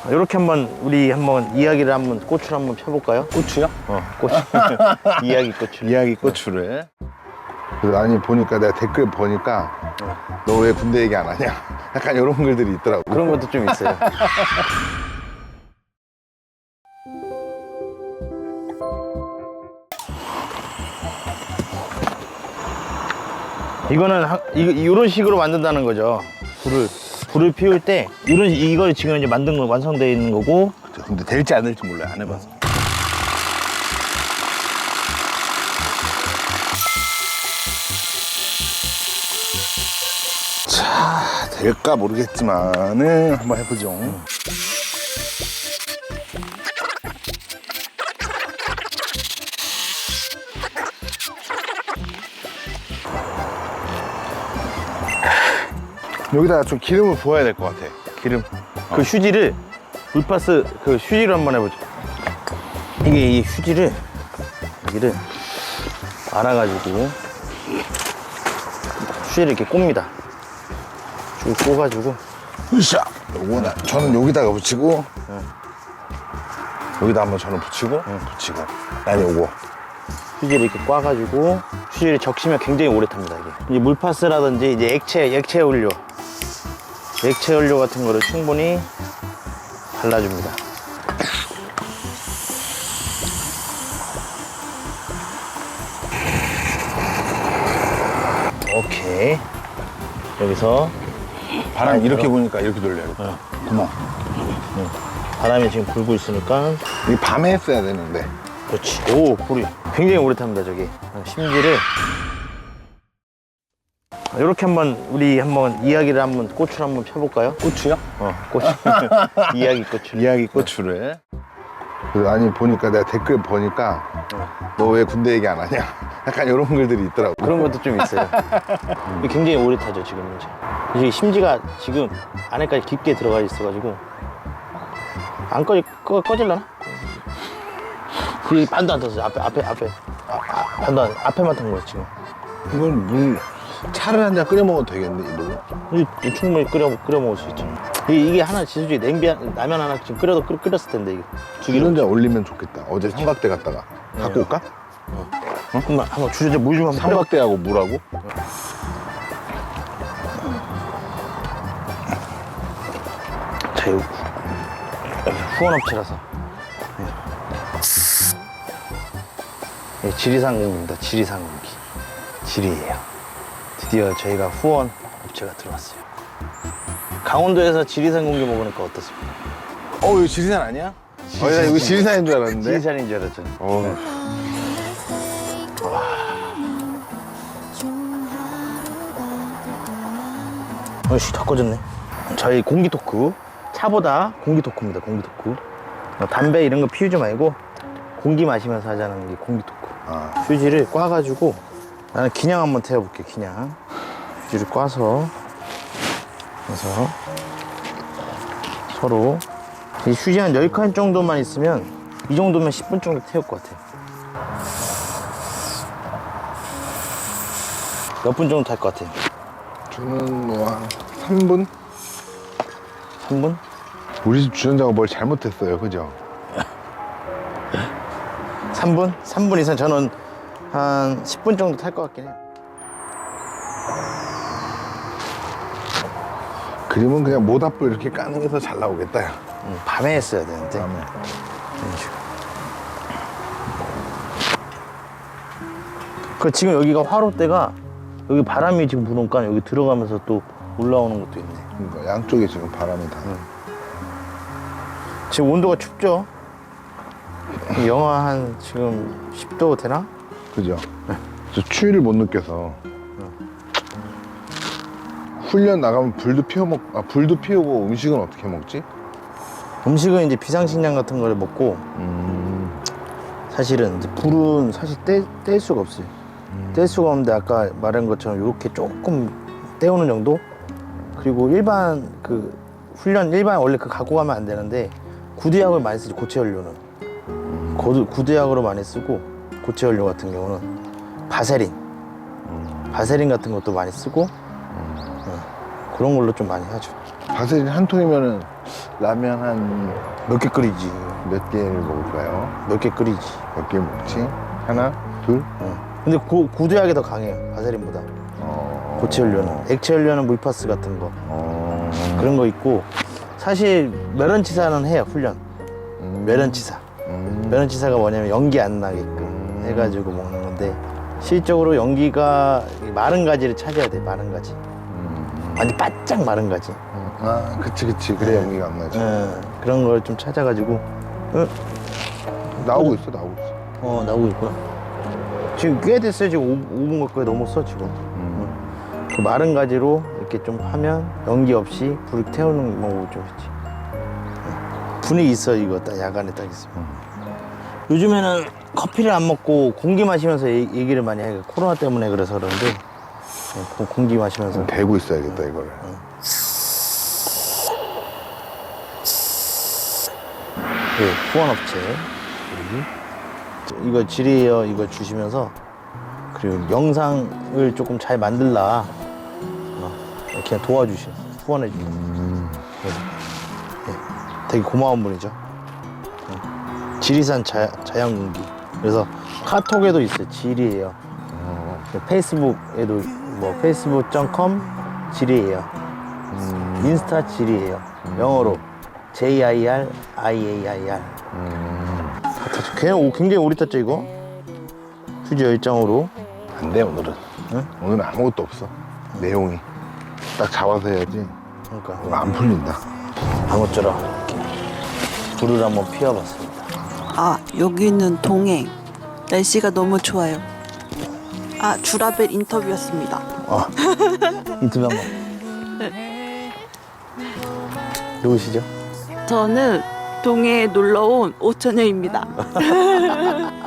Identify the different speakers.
Speaker 1: 이렇게 우리 한번 이야기를 꽃을 한번 펴볼까요?
Speaker 2: 고추요?
Speaker 1: 꽃. 이야기 꽃을.
Speaker 2: 이야기 고추를. 그래서 아니 보니까 내가 댓글 보니까 너 왜 군대 얘기 안 하냐? 약간 이런 글들이 있더라고.
Speaker 1: 그런 것도 좀 있어요. 이거는 이런 식으로 만든다는 거죠. 불을 피울 때 이걸 지금 이제 만든 거 완성되어 있는 거고.
Speaker 2: 근데 될지 안 될지 몰라요. 안 해봐서. 자, 될까 모르겠지만은 한번 해보죠. 여기다가 좀 기름을 부어야 될 것 같아. 기름.
Speaker 1: 그 휴지를 물파스 그 휴지로 한번 해보죠. 이 휴지를 여기를 알아가지고 휴지를 이렇게 꼽니다. 쭉 꼽아가지고.
Speaker 2: 으쌰. 요거는 저는 여기다가 붙이고 여기다 한번 저는 붙이고 붙이고 난 요거.
Speaker 1: 휴지를 이렇게 꽈가지고 휴지를 적시면 굉장히 오래 탑니다. 이게 물파스라든지 이제 액체 연료 같은 거를 충분히 발라줍니다. 오케이. 여기서
Speaker 2: 바람 이렇게 보니까 이렇게 돌려요. 구멍.
Speaker 1: 바람이 지금 불고 있으니까.
Speaker 2: 이 밤에 했어야 되는데.
Speaker 1: 그렇지. 오, 불이 굉장히 오래 탑니다. 저기 심지를 이렇게 우리 이야기를 꽃을 한번 펴볼까요?
Speaker 2: 고추요?
Speaker 1: 꽃. 이야기 꽃을.
Speaker 2: 이야기 고추를. 그래서 아니 보니까 내가 댓글 보니까 너 왜 군대 얘기 안 하냐? 약간 이런 글들이 있더라고.
Speaker 1: 그런 것도 좀 있어요. 이게 굉장히 오래 타죠 지금 이제 심지가 지금 안에까지 깊게 들어가 있어가지고 안 꺼질라나? 그 반도 안 탔어요. 반도 앞에만 탄 거예요 지금.
Speaker 2: 이건 차를 한 잔 끓여 먹어도 되겠네 이걸로.
Speaker 1: 이 충분히 끓여 먹을 수 있죠. 이게 하나 지수지 라면 하나 지금 끓였을 텐데 이게 두
Speaker 2: 이런
Speaker 1: 개로.
Speaker 2: 잔 올리면 좋겠다. 어제 삼각대 갔다가 갖고 올까?
Speaker 1: 한번 주저제 물 좀 한번 끓여.
Speaker 2: 삼각대하고 물하고.
Speaker 1: 자, 여기 후원업체라서. 지리산공기입니다. 지리산공기. 지리예요. 드디어 저희가 후원 업체가 들어왔어요. 강원도에서 지리산공기 먹으니까 어떻습니까?
Speaker 2: 이거 지리산 아니야? 나 이거 지리산인 줄 알았는데.
Speaker 1: 지리산인 줄 알았잖아요. 어이씨, 다 꺼졌네. 저희 공기 토크. 차보다 공기 토크입니다. 공기 토크. 담배 이런 거 피우지 말고 공기 마시면서 하자는 게 공기 토크. 휴지를 꽈가지고 나는 기냥 한번 태워볼게. 기냥 휴지를 꽈서 그래서 서로 이 휴지 한 10칸 정도만 있으면 이 정도면 10분 정도 태울 것 같아요. 몇 분 정도 탈 것 같아요?
Speaker 2: 저는 뭐 한 3분?
Speaker 1: 3분?
Speaker 2: 우리 집 주전자가 뭘 잘못했어요, 그죠?
Speaker 1: 3분? 3분 이상 저는 한 10분 정도 탈 것 같긴 해요.
Speaker 2: 그림은 그냥 모닥불 이렇게 까는 게서 잘 나오겠다, 야.
Speaker 1: 밤에 했어야 되는데.
Speaker 2: 밤에.
Speaker 1: 이런 식으로. 지금 여기가 화롯대가 여기 바람이 지금 부니까 여기 들어가면서 또 올라오는 것도 있네.
Speaker 2: 그러니까 양쪽에 지금 바람이 다.
Speaker 1: 지금 온도가 춥죠? 영하 한 지금 10도 되나?
Speaker 2: 그죠? 저 추위를 못 느껴서. 훈련 나가면 불도 피우고 음식은 어떻게 먹지?
Speaker 1: 음식은 이제 비상식량 같은 거를 먹고 사실은 이제 불은 사실 뗄 수가 없어요. 뗄 수가 없는데 아까 말한 것처럼 이렇게 조금 떼우는 정도? 그리고 일반 훈련 원래 갖고 가면 안 되는데 구두약을 많이 쓰죠. 고체 연료는 구두약으로 많이 쓰고 고체 연료 같은 경우는 바세린 같은 것도 많이 쓰고 그런 걸로 좀 많이 하죠.
Speaker 2: 바세린 한 통이면은 라면 한
Speaker 1: 몇 개 끓이지.
Speaker 2: 몇 개를 먹을까요?
Speaker 1: 몇 개 끓이지.
Speaker 2: 몇 개 먹지? 하나? 둘?
Speaker 1: 근데 구두약이 더 강해요. 바세린보다. 고체 연료는. 액체 연료는 물파스 같은 거. 그런 거 있고. 사실 메런치사는 해요. 훈련. 메런치사. 메런치사가 뭐냐면 연기 안 나게끔 해가지고 먹는 건데 실적으로 연기가 마른 가지를 찾아야 돼. 마른 가지. 완전 바짝 마른 가지.
Speaker 2: 아, 그치. 그래 연기가 안 나지.
Speaker 1: 그런 걸 좀 찾아가지고
Speaker 2: 나오고 있어.
Speaker 1: 나오고 있구나. 지금 꽤 됐어요. 지금 5분 가까이 넘었어 지금. 그 마른 가지로 이렇게 좀 하면 연기 없이 불 태우는 방법을 좀 했지. 분위기 있어 이거 딱 야간에 딱 있으면. 요즘에는 커피를 안 먹고 공기 마시면서 얘기를 많이 해요. 코로나 때문에 그래서 그런데 공기 마시면서.
Speaker 2: 대고 있어야겠다 이거를.
Speaker 1: 후원업체 이거 지리에어 이거 주시면서 그리고 영상을 조금 잘 만들라 이렇게 도와주셔 후원해 주셔. 되게 고마운 분이죠. 지리산 자연공기. 그래서 카톡에도 있어요. 지리에어. 페이스북에도 뭐 facebook.com 지리에어. 인스타 지리에어. 영어로 JIRIAIR. 굉장히 오래 tas죠 이거. 휴지 10장으로.
Speaker 2: 안 돼 오늘은.
Speaker 1: 응?
Speaker 2: 오늘은 아무것도 없어. 내용이 딱 잡아서 해야지.
Speaker 1: 그러니까
Speaker 2: 이거 안 풀린다.
Speaker 1: 아무쪼록 불을 한번 피워봤습니다.
Speaker 3: 아, 여기는 동해. 날씨가 너무 좋아요. 아, 주라벨 인터뷰였습니다.
Speaker 1: 인터뷰 한번. 누구시죠?
Speaker 3: 저는 동해에 놀러 온 오천여입니다.